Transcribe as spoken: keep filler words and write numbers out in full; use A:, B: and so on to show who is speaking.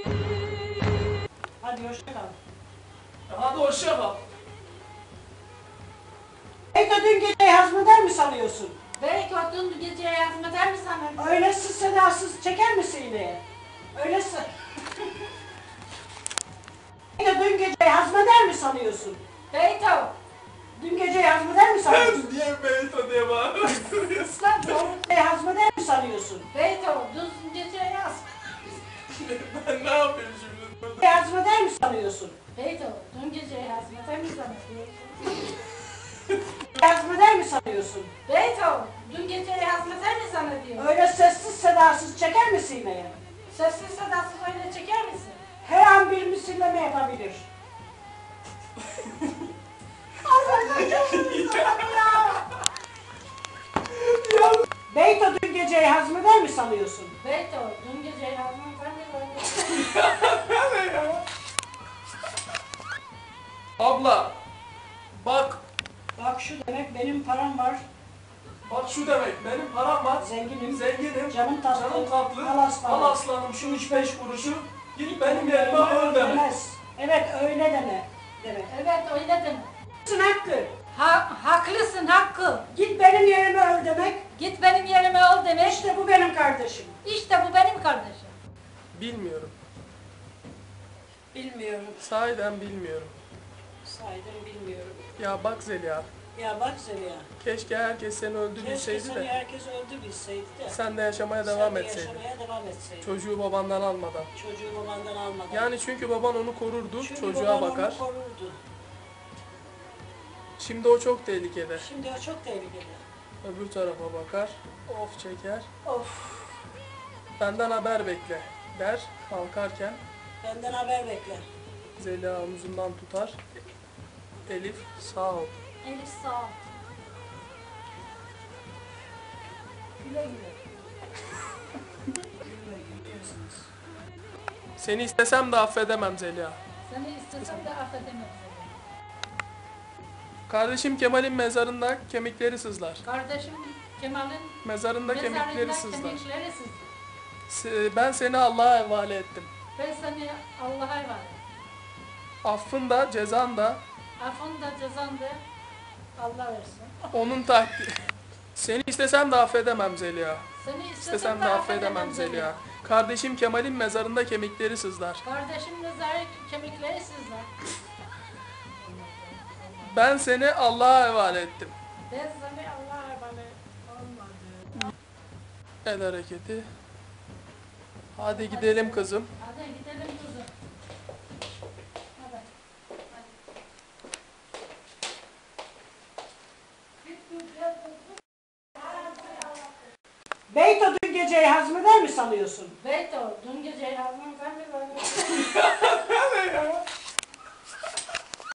A: Hadi hoşça kal.
B: Hadi hoşça kal.
A: Beyto dün geceyi hazmeder mi sanıyorsun?
C: Belki o dün geceye hazmeder mi sana?
A: Öylesiz sedasız çeker misin iğneye? Öylesi. Beyto dün geceyi hazmeder mi sanıyorsun?
C: Beyto!
A: Dün geceyi hazmeder mi sanıyorsun?
B: Niye Beyto diye bağırıyorsun?
C: Islan doğru.
A: Geceyi hazmeder mi sanıyorsun?
C: Beyto, dün geceye yaz.
B: Ben ne yapayım şimdi?
A: Geceyi hazmeder mi sanıyorsun?
C: Beyto, dün geceye hazmeder mi sana?
A: Hazmeder mi sanıyorsun?
C: Beyto, dün geceye hazmeder mi sana diyor.
A: Öyle sessiz sedasız çeker misin iğneye?
C: Sessiz sedasız öyle çeker misin?
A: Her an bir misilleme yapabilir. Beyto dün geceyi hazmeder mi sanıyorsun?
C: Beyto, dün geceye hazmeder mi böyle?
B: Abla, bak,
A: Bak şu demek benim param var,
B: bak şu demek, benim param var,
A: zenginim,
B: zenginim,
A: canım tatlı,
B: canım tatlı,
A: al aslanım.
B: al aslanım şu üç beş kuruşu, git benim yerime öl demek.
A: Demez. Evet öyle deme. Demek.
C: Evet, öyle deme.
A: Haklısın Hakkı.
C: Ha, haklısın Hakkı.
A: Git benim yerime öl demek.
C: Git benim yerime ol demek.
A: İşte bu benim kardeşim.
C: İşte bu benim kardeşim.
B: Bilmiyorum,
A: Bilmiyorum.
B: sahiden bilmiyorum.
A: Saydım bilmiyorum.
B: Ya bak Zeliha,
A: Ya bak Zeliha.
B: keşke herkes seni öldü
A: Keşke
B: bilseydi
A: seni
B: de
A: herkes öldü bilseydi de.
B: sen de yaşamaya
A: sen
B: devam
A: de
B: etseydin.
A: yaşamaya devam etseydin.
B: Çocuğu babandan almadan.
A: Çocuğu babandan almadan.
B: Yani çünkü baban onu korurdu,
A: Çünkü
B: çocuğa
A: baban onu
B: bakar.
A: korurdu.
B: Şimdi o çok tehlikede.
A: Şimdi o çok tehlikeli.
B: Öbür tarafa bakar, of çeker.
A: Of.
B: Benden haber bekle der kalkarken.
A: Benden haber bekle.
B: Zeliha omzundan tutar. Elif sağ ol.
C: Elif sağ ol. Güle güle.
B: Seni istesem de affedemem Zeliha.
C: Seni istesem de affedemem seni.
B: Kardeşim Kemal'in mezarında kemikleri sızlar.
C: Kardeşim Kemal'in
B: Mezarında kemikleri
C: mezarında
B: sızlar.
C: kemikleri sızlar.
B: Se- Ben seni Allah'a havale ettim.
C: Ben seni Allah'a emanet.
B: Affın da cezan da
C: Affın da cezan da Allah versin.
B: onun takdiri. Seni istesem de affedemem Zeliha.
C: Seni istesem,
B: İstesem de affedemem Zeliha. Kardeşim Kemal'in mezarında kemikleri sızlar.
C: Kardeşim mezarı kemikleri sızlar.
B: Ben seni Allah'a havale ettim.
C: Ben seni Allah'a emanet olmadı.
B: El hareketi. Hadi gidelim kızım.
C: Hadi gidelim kızım. Hadi.
A: Beyto dün geceyi hazmeder mi sanıyorsun?
C: Beyto, dün gece yazmam ben de böyle.